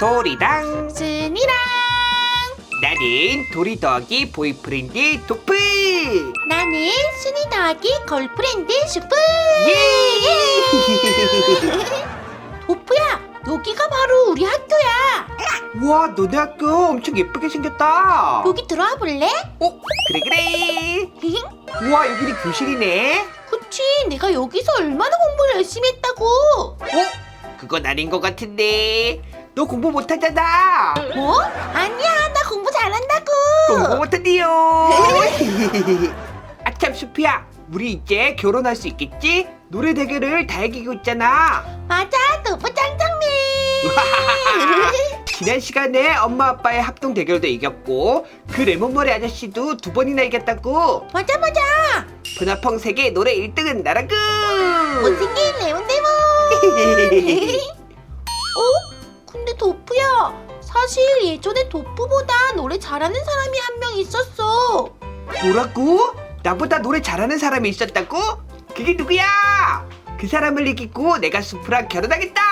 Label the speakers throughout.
Speaker 1: 도리랑
Speaker 2: 순이랑
Speaker 1: 나는 도리 더하기 보이프렌드 도프.
Speaker 2: 나는 순이 더하기 걸프렌드 슈프.
Speaker 1: 예!
Speaker 2: 도프야, 여기가 바로 우리 학교야.
Speaker 1: 우와, 너네 학교 엄청 예쁘게 생겼다.
Speaker 2: 여기 들어와 볼래?
Speaker 1: 그래 그래. 우와, 여기는 교실이네.
Speaker 2: 그치, 내가 여기서 얼마나 공부를 열심히 했다고.
Speaker 1: 그건 아닌 것 같은데. 너 공부 못하잖아.
Speaker 2: 뭐? 아니야, 나 공부 잘한다고.
Speaker 1: 공부 못한대요. 아참, 수피야, 우리 이제 결혼할 수 있겠지? 노래 대결을 다 이기고 있잖아.
Speaker 2: 맞아, 도프 짱짱맨.
Speaker 1: 지난 시간에 엄마 아빠의 합동 대결도 이겼고 그 레몬머리 아저씨도 2번이나 이겼다고.
Speaker 2: 맞아.
Speaker 1: 분화펑 세계 노래 1등은 나라구.
Speaker 2: 못생긴 레몬데몬. 근데 도프야, 사실 예전에 도프보다 노래 잘하는 사람이 한 명 있었어.
Speaker 1: 뭐라고? 나보다 노래 잘하는 사람이 있었다고? 그게 누구야? 그 사람을 이기고 내가 수프랑 결혼하겠다.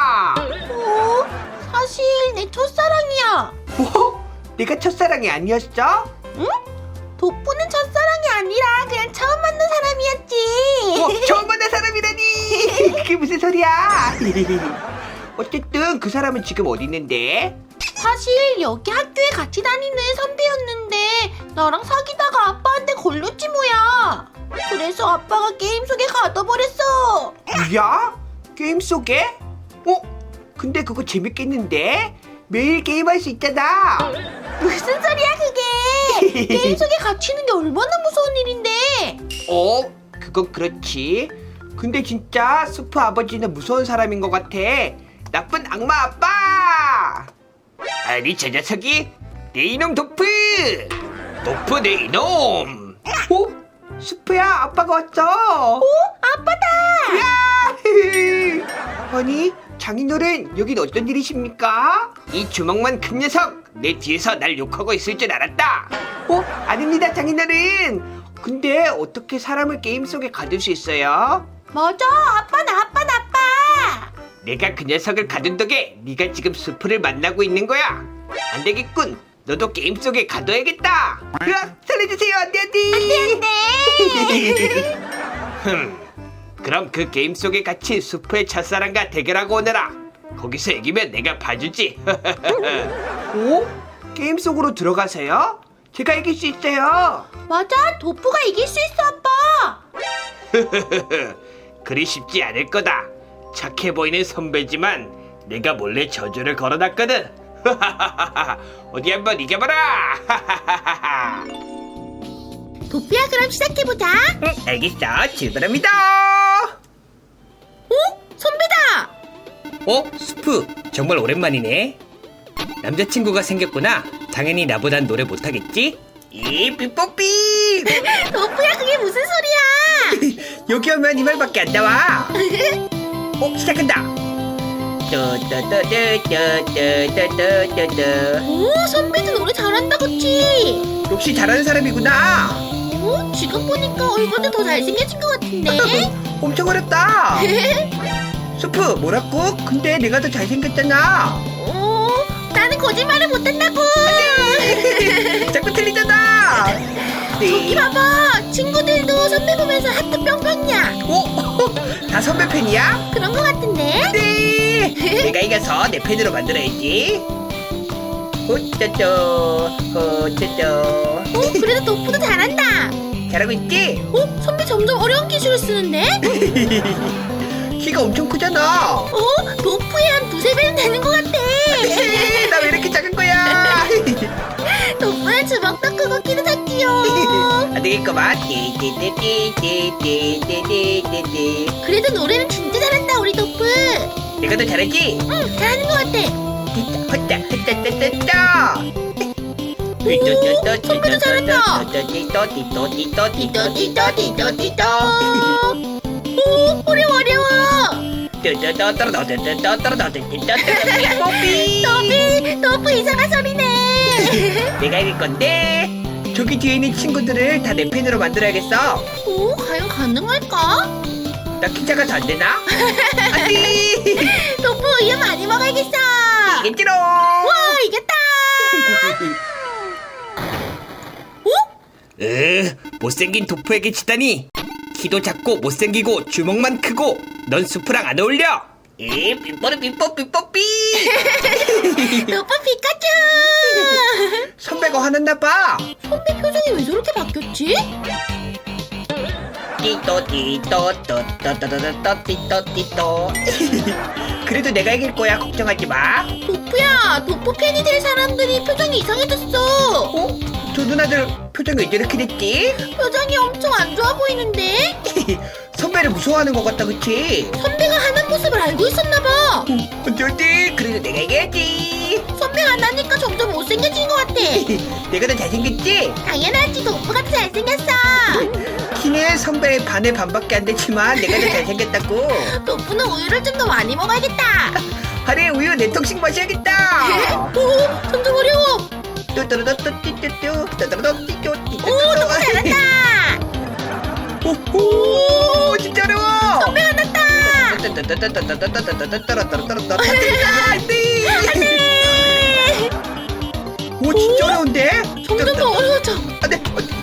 Speaker 2: 사실 내 첫사랑이야.
Speaker 1: 뭐? 내가 첫사랑이 아니었어?
Speaker 2: 응? 도프는 첫사랑이 아니라 그냥 처음 만난 사람이었지.
Speaker 1: 처음 만난 사람이라니. 그게 무슨 소리야? 어쨌든 그 사람은 지금 어디 있는데?
Speaker 2: 사실 여기 학교에 같이 다니는 선배였는데 나랑 사귀다가 아빠한테 걸렸지 뭐야. 그래서 아빠가 게임 속에 가둬버렸어.
Speaker 1: 뭐야? 게임 속에? 근데 그거 재밌겠는데? 매일 게임할 수 있잖아.
Speaker 2: 무슨 소리야 그게. 게임 속에 갇히는 게 얼마나 무서운 일인데.
Speaker 1: 그건 그렇지. 근데 진짜 수프 아버지는 무서운 사람인 것 같아. 나쁜 악마 아빠. 아니, 저 녀석이 내 이놈 도프. 도프 내 이놈. 수프야, 아빠가 왔어.
Speaker 2: 아빠다.
Speaker 1: 야! 아니, 장인어른, 여긴 어떤 일이십니까? 이 주먹만 큰 녀석, 내 뒤에서 날 욕하고 있을 줄 알았다. 아닙니다, 장인어른. 근데 어떻게 사람을 게임 속에 가둘 수 있어요?
Speaker 2: 맞아, 아빠.
Speaker 1: 내가 그 녀석을 가둔 덕에 네가 지금 수프를 만나고 있는 거야. 안 되겠군. 너도 게임 속에 가둬야겠다. 으악, 살려주세요. 안 돼. 그럼 그 게임 속에 갇힌 수프의 첫사랑과 대결하고 오너라. 거기서 이기면 내가 봐주지. 게임 속으로 들어가세요? 제가 이길 수 있어요.
Speaker 2: 맞아, 도프가 이길 수 있어, 아빠.
Speaker 1: 그리 쉽지 않을 거다. 착해 보이는 선배지만 내가 몰래 저주를 걸어놨거든. 어디 한번 이겨봐라.
Speaker 2: 도프야, 그럼 시작해보자.
Speaker 1: 알겠어, 출발합니다.
Speaker 2: 선배다.
Speaker 1: 스프, 정말 오랜만이네. 남자친구가 생겼구나. 당연히 나보단 노래 못하겠지? 삐뽀삐.
Speaker 2: 도프야, 그게 무슨 소리야.
Speaker 1: 여기 오면 이 말밖에 안 나와. 시작한다.
Speaker 2: 선배도 노래 잘한다, 그치?
Speaker 1: 역시 잘하는 사람이구나.
Speaker 2: 지금 보니까 얼굴도 더 잘생겨진 것 같은데.
Speaker 1: 엄청 어렵다. 수프, 뭐라고? 근데 내가 더 잘생겼잖아.
Speaker 2: 나는 거짓말을 못한다고.
Speaker 1: 자꾸 틀리잖아.
Speaker 2: 저기 봐봐, 친구들도 선배 보면서 하트 뿅뿅이야.
Speaker 1: 다 선배 팬이야?
Speaker 2: 그런 것 같은데.
Speaker 1: 네. 내가 이겨서 내 팬으로 만들어야지. 호쩌쩌.
Speaker 2: 그래도 도프도 잘한다.
Speaker 1: 잘하고 있지?
Speaker 2: 선배 점점 어려운 기술을 쓰는데?
Speaker 1: 키가 엄청 크잖아.
Speaker 2: 도프의 한 2~3배는 되는 것 같아.
Speaker 1: 나 왜 이렇게 작은 거야?
Speaker 2: 도프의 주먹도 크고 키도 작지요.
Speaker 1: 안 되겠구만.
Speaker 2: 그래도 노래는 진짜 잘한다, 우리 도프.
Speaker 1: 내가 더 잘하지?
Speaker 2: 응, 잘하는 것 같아. 선배도 잘한다. 띠또띠또띠또띠또띠또. 어려워. 도프 이상한 소리네.
Speaker 1: 내가 이길 건데. 저기 뒤에 있는 친구들을 다 내 팬으로 만들어야겠어.
Speaker 2: 과연 가능할까?
Speaker 1: 나 키 작아서 안 되나? 안돼.
Speaker 2: 도프 우유 많이 먹어야겠어.
Speaker 1: 이겠지롱. 못생긴 도프에게 지다니. 키도 작고 못생기고 주먹만 크고 넌 수프랑 안 어울려. 삐뽀르 삐뽀 삐뽀삐.
Speaker 2: 도프 피카츄.
Speaker 1: 선배가 화났나봐.
Speaker 2: 선배 표정이 왜 저렇게 바뀌었지?
Speaker 1: 띠또 띠또 또또또또또 띠또 띠또. 그래도 내가 이길 거야. 걱정하지 마.
Speaker 2: 도프야, 도프 팬이 될 사람들이 표정이 이상해졌어.
Speaker 1: 저 누나들 표정이 왜 이렇게 됐지?
Speaker 2: 표정이 엄청 안 좋아 보이는데?
Speaker 1: 선배를 무서워하는 것 같다, 그치?
Speaker 2: 선배가 하는 모습을 알고 있었나봐.
Speaker 1: 어쩔지? 그래도 내가 이겨야지.
Speaker 2: 선배가 안 하니까 점점 못생겨진 것 같아.
Speaker 1: 내가 더 잘생겼지?
Speaker 2: 당연하지, 도프가 더 잘생겼어.
Speaker 1: 키는 선배의 반의 반밖에 안 되지만 내가 더 잘생겼다고.
Speaker 2: 도프는 우유를 좀 더 많이 먹어야겠다.
Speaker 1: 하루에 우유 4통씩 마셔야겠다.
Speaker 2: 오, 점점 어려워.
Speaker 1: 뚜뚜루뚜뚜뚜뚜뚜 뚜뚜루뚜뚜뚜.
Speaker 2: 오, 도프 잘한다.
Speaker 1: 오, 진짜 어려워.
Speaker 2: 선배 화났다.
Speaker 1: 안돼. 오, 진짜 어려운데?
Speaker 2: 점점 더 어려워져.
Speaker 1: 안돼.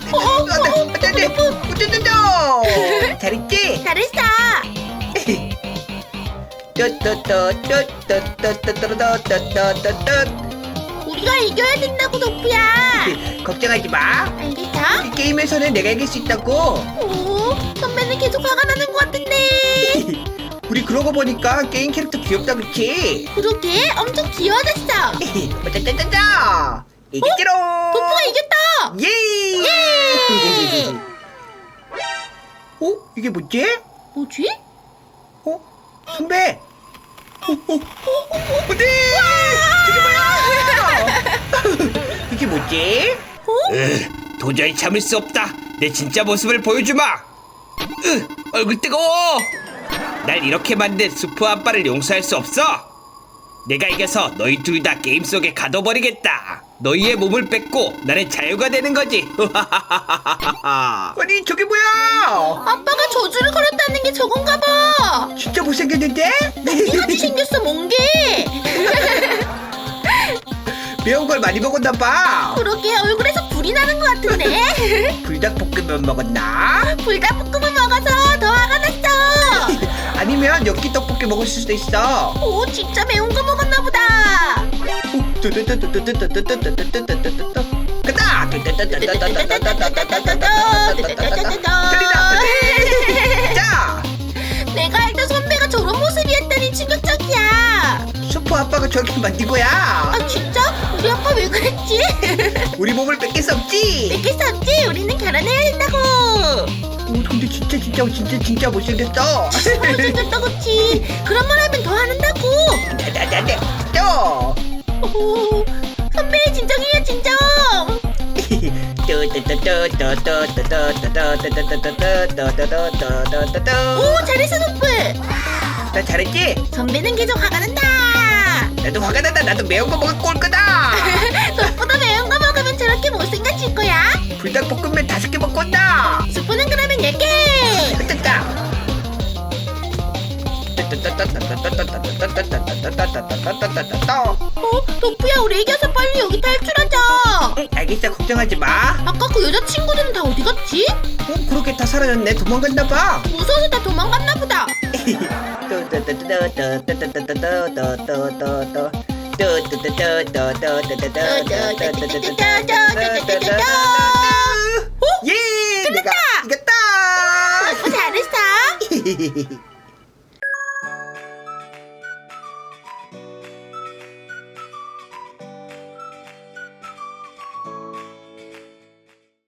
Speaker 1: 안돼. 잘했지?
Speaker 2: 잘했어. 우리가 이겨야 된다고, 도프야.
Speaker 1: 걱정하지 마.
Speaker 2: 알겠어?
Speaker 1: 이 게임에서는 내가 이길 수 있다고.
Speaker 2: 오, 선배는 계속 화가 나는 것 같은데.
Speaker 1: 우리 그러고 보니까 게임 캐릭터 귀엽다, 그치?
Speaker 2: 그러게, 엄청 귀여워졌어.
Speaker 1: 어쩌쩌쩌쩌. 이겼지롱.
Speaker 2: 도프가 이겼다.
Speaker 1: 예.
Speaker 2: 예.
Speaker 1: 어? 이게 뭐지?
Speaker 2: 뭐지?
Speaker 1: 어? 선배. 네. 저게 뭐야? 이게 뭐지? 도저히 참을 수 없다. 내 진짜 모습을 보여주마. 얼굴 뜨거워. 날 이렇게 만든 수프 아빠를 용서할 수 없어. 내가 이겨서 너희 둘 다 게임 속에 가둬버리겠다. 너희의 몸을 뺏고 나는 자유가 되는 거지. 아니 저게 뭐야?
Speaker 2: 아빠가 저주를 걸었다는 게 저건가 봐.
Speaker 1: 진짜 못생겼는데?
Speaker 2: 멍게같이 생겼어, 멍게.
Speaker 1: 매운 걸 많이 먹었나 봐.
Speaker 2: 그러게, 얼굴에서 불이 나는 것 같은데.
Speaker 1: 불닭볶음면 먹었나?
Speaker 2: 불닭볶음을 먹어서 더 화가 났어.
Speaker 1: 아니면 엽기 떡볶이 먹을 수도 있어.
Speaker 2: 오, 진짜 매운 거 먹었나 보다.
Speaker 1: 가자. 자,
Speaker 2: 내가 알던 선배가 저런 모습이었다니 충격적이야.
Speaker 1: 슈퍼 아빠가 저렇게 만든 거야.
Speaker 2: 아, 진짜? 우리 아빠 왜 그랬지?
Speaker 1: 우리 몸을 뺏길 수 없지.
Speaker 2: 뺏길 수 없지. 우리는 결혼해야 된다고.
Speaker 1: 오, 근데 진짜 못생겼어.
Speaker 2: 못생겼다, 그치? 그런 말 하면 더 화낸다고.
Speaker 1: 나나나나 또.
Speaker 2: 오, 선배의 진정이에요, 진정. 오, 잘했어, 도프.
Speaker 1: 나 잘했지?
Speaker 2: 선배는 계속 화가 난다.
Speaker 1: 나도 화가 난다. 나도 매운 거 먹을 꼴 거다.
Speaker 2: 도프도 매운 거 먹으면 저렇게 못생겨질 거야.
Speaker 1: 불닭볶음면 5개 먹고 온다.
Speaker 2: 스프는 그러면 10개.
Speaker 1: 됐다.
Speaker 2: 도프야, 우리 이겨서 빨리 여기 탈출하자.
Speaker 1: 알겠어. 걱정하지 마.
Speaker 2: 아까 그 여자친구들은 다 어디 갔지?
Speaker 1: 그렇게 다 사라졌네. 도망갔나 봐.
Speaker 2: 무서워서 다 도망갔나 보다.
Speaker 1: 예! 내가 이겼다!
Speaker 2: 도프 잘했어.